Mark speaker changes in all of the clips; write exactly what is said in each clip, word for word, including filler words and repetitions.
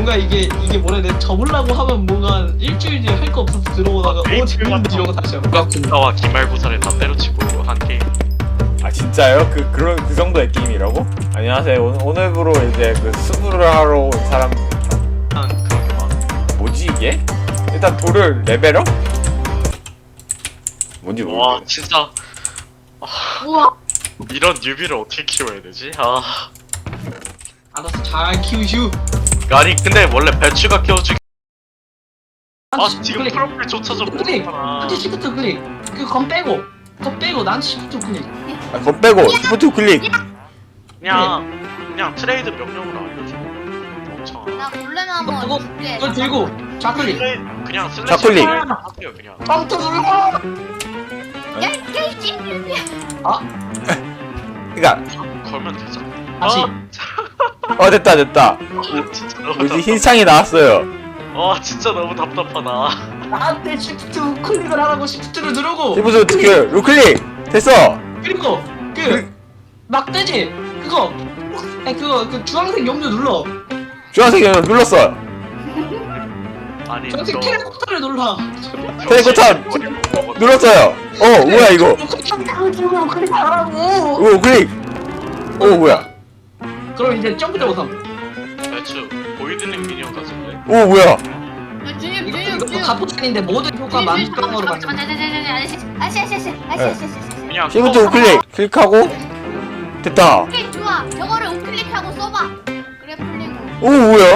Speaker 1: 뭔가 이게 이게 뭐라 해야 돼? 접으려고 하면 뭔가 일주일 뒤에 할 거 없어서 들어오다가 오 재밌는데 이러고 다시 하고.
Speaker 2: 국가와 기말고사를 다 때려치고 한 게임.
Speaker 3: 아 진짜요? 그 그런 그 정도의 게임이라고? 안녕하세요. 오늘 오늘부로 이제 그 수술을 하러 온 사람.
Speaker 2: 한 그런 게 많아.
Speaker 3: 뭐지 이게? 일단 돌을 레벨업? 뭔지
Speaker 2: 와
Speaker 3: 모르겠어.
Speaker 2: 진짜
Speaker 4: 우와.
Speaker 2: 이런 뉴비를 어떻게 키워야 되지? 아
Speaker 1: 알아서 잘 키우슈.
Speaker 2: 아니 근데 원래 배추가 키워주기. 아 지금
Speaker 1: 클릭.
Speaker 2: 프로필조차 좀
Speaker 1: 클릭.
Speaker 2: 못하잖아.
Speaker 1: 한테 시프트 클릭. 그건 빼고. 그거 빼고 난 시프트 클릭.
Speaker 3: 아, 그거 빼고 시프트 클릭.
Speaker 2: 그냥 그냥 트레이드 명령으로 알려줘. 멍청아.
Speaker 4: 나 골렘
Speaker 1: 그거
Speaker 4: 한번 줄게.
Speaker 1: 그걸 들고 좌클릭.
Speaker 2: 트레이 그냥 슬래시
Speaker 3: 좌클릭.
Speaker 2: 하세요 그냥.
Speaker 1: 깜짝 놀라.
Speaker 4: 야, 이 찌르기.
Speaker 3: 그니까
Speaker 2: 걸면 되잖아.
Speaker 1: 다시.
Speaker 3: 어 됐다 됐다.
Speaker 2: 아, 진짜 너무
Speaker 3: 뭐지
Speaker 2: 답답.
Speaker 3: 흰 창이 나왔어요.
Speaker 2: 아 진짜 너무 답답하다.
Speaker 1: 나한테 시프트 클릭을 하라고 시프트를 누르고.
Speaker 3: 시프트 어떻게 루클릭 됐어.
Speaker 1: 그리고 그 막대지 그거. 아니 그거 그 주황색 염료 눌러.
Speaker 3: 주황색 연을 눌렀어.
Speaker 2: 아니
Speaker 1: 주황색
Speaker 2: 저
Speaker 1: 테레코타를 눌러.
Speaker 3: 테레코타 눌렀어요. 어 뭐야 이거?
Speaker 1: 클릭하라고 클릭하라고.
Speaker 3: 오 클릭. 오 뭐야?
Speaker 1: 그럼 이제 점프 대보상.
Speaker 2: 배추 보이드닝 미니언 같은데.
Speaker 3: 오 뭐야?
Speaker 4: 주님,
Speaker 1: 이거
Speaker 4: 주님,
Speaker 1: 이거
Speaker 4: 주님.
Speaker 1: 가포탄인데 모든 효과 만병으로 만든.
Speaker 4: 아저씨, 아저씨, 아저씨, 아저씨, 아저씨.
Speaker 2: 그냥
Speaker 3: 시프트 우클릭 클릭하고 됐다.
Speaker 4: 오케이, 좋아. 저거를 우클릭하고 써봐. 그래, 풀리고.
Speaker 3: 오 뭐야?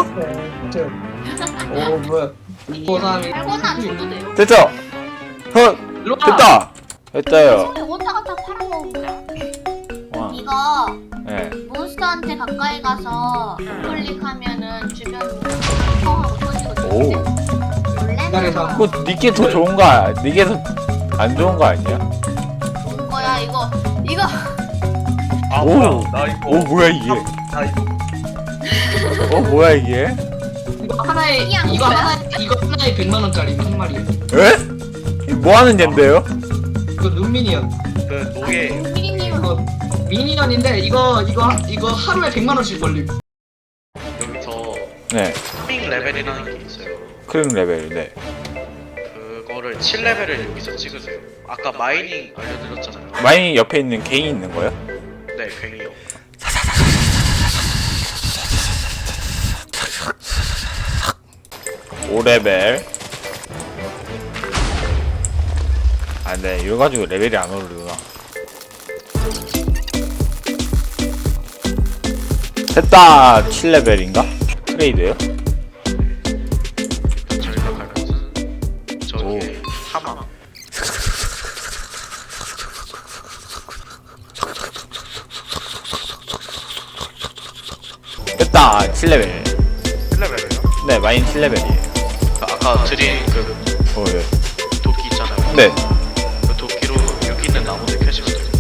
Speaker 1: 오 뭐야? 이거 사람이.
Speaker 4: 알고는 안 줘도 돼요.
Speaker 3: 됐죠? huh
Speaker 1: 일로 와.
Speaker 3: 됐다. 됐다요.
Speaker 4: 오다가 다 팔아먹어.
Speaker 3: 와.
Speaker 4: 이거
Speaker 3: 네.
Speaker 4: 몬스터한테 가까이 가서 우클릭하면은 주변 펑하고 터지거든.
Speaker 3: 오.
Speaker 1: 기다려서.
Speaker 4: 원래는
Speaker 3: 그거 니게 더 좋은 거 아- 니게 더 안 좋은 거 아니야?
Speaker 4: 좋은 거야, 이거. 이거.
Speaker 2: 아
Speaker 3: 오.
Speaker 2: 뭐야 나 이거
Speaker 3: 오 뭐야 이게?
Speaker 2: 나 이거
Speaker 3: 어 뭐야 이게?
Speaker 1: 이거 하나에
Speaker 4: 그냥
Speaker 1: 이거
Speaker 4: 뭐야?
Speaker 1: 하나 이거 하나에 백만 원짜리 한 마리에.
Speaker 3: 에? 이거 뭐 하는 젠데요?
Speaker 1: 이거 눈미니언.
Speaker 2: 그 노예
Speaker 4: 피디님.
Speaker 1: 이거 미니언인데 이거 이거 이거 하루에 백만 원씩 걸림.
Speaker 2: 여기서
Speaker 3: 네.
Speaker 2: 핑 레벨이라는 게 있어요.
Speaker 3: 크림 레벨. 네.
Speaker 2: 그거를 칠 레벨을 여기서 찍으세요. 아까 마이닝 알려드렸잖아요.
Speaker 3: 마이 옆에 있는 개인 있는 거요?
Speaker 2: 네, 괭이요.
Speaker 3: 오 레벨. 아, 네. 이거 가지고 레벨이 안 오르구나. 됐다. 칠 레벨인가? 트레이드요?
Speaker 2: 저희가 갈 곳은 저기 하마.
Speaker 3: 됐다. 칠 레벨.
Speaker 2: 칠 레벨이요?
Speaker 3: 네, 마인 칠 레벨이에요.
Speaker 2: 아까 드린 그
Speaker 3: 어, 네.
Speaker 2: 도끼 있잖아요.
Speaker 3: 네.
Speaker 2: 그 도끼로 여기 있는 나무들 켜시면 돼요.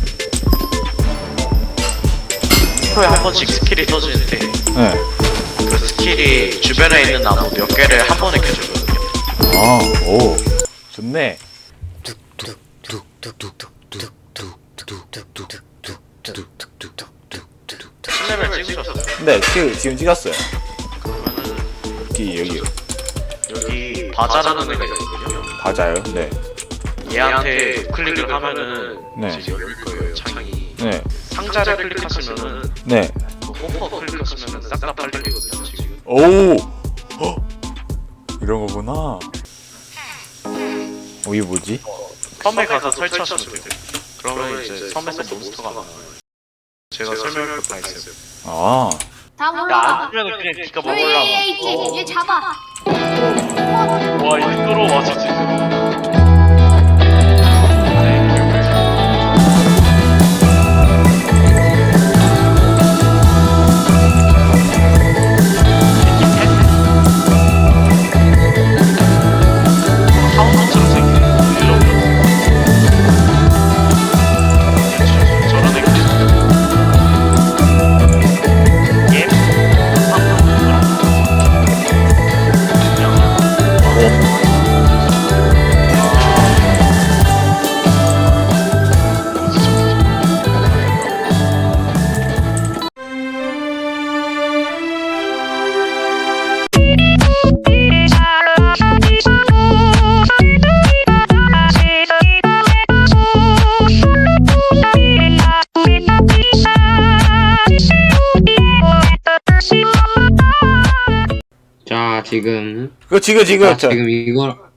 Speaker 2: 프로에 한 번씩 스킬이 터지는데
Speaker 3: 네.
Speaker 2: 그 스킬이 주변에 있는 나무 몇 개를 한 번에 켜주거든요.
Speaker 3: 아, 오. 좋네.
Speaker 2: 칠 레벨 찍으셨어요?
Speaker 3: 네, 지금, 지금 찍었어요.
Speaker 2: 그러면은
Speaker 3: 여기, 여기.
Speaker 2: 여기 바자라는 애가 있거든요.
Speaker 3: 맞아요. 네.
Speaker 2: 얘한테 클릭을 하면은
Speaker 3: 네.
Speaker 2: 이제 열릴 거예요 창이.
Speaker 3: 네.
Speaker 2: 상자를 클릭하시면은
Speaker 3: 네.
Speaker 2: 그 홈퍼 클릭하시면은 싹 다 팔리거든요 지금.
Speaker 3: 오! 헉! 이런 거구나. 어, 이게 뭐지?
Speaker 2: 섬에 가서 설치하시면 돼요. 그러면 이제 섬에서 몬스터가 나와요. 제가 설명할 거 다 있어요.
Speaker 3: 아.
Speaker 4: 다
Speaker 2: 야,
Speaker 4: 몰라.
Speaker 2: 안 주면 그냥 니가
Speaker 4: 저기
Speaker 2: 먹으라고.
Speaker 4: 얘 있지. 얘 잡아.
Speaker 2: 와, 인도로 와, 진짜. 타운처럼 생긴 일로 저런 애가 예?
Speaker 5: 자 지금
Speaker 3: 그거 지금 지금
Speaker 5: 자
Speaker 3: 저
Speaker 5: 지금 이걸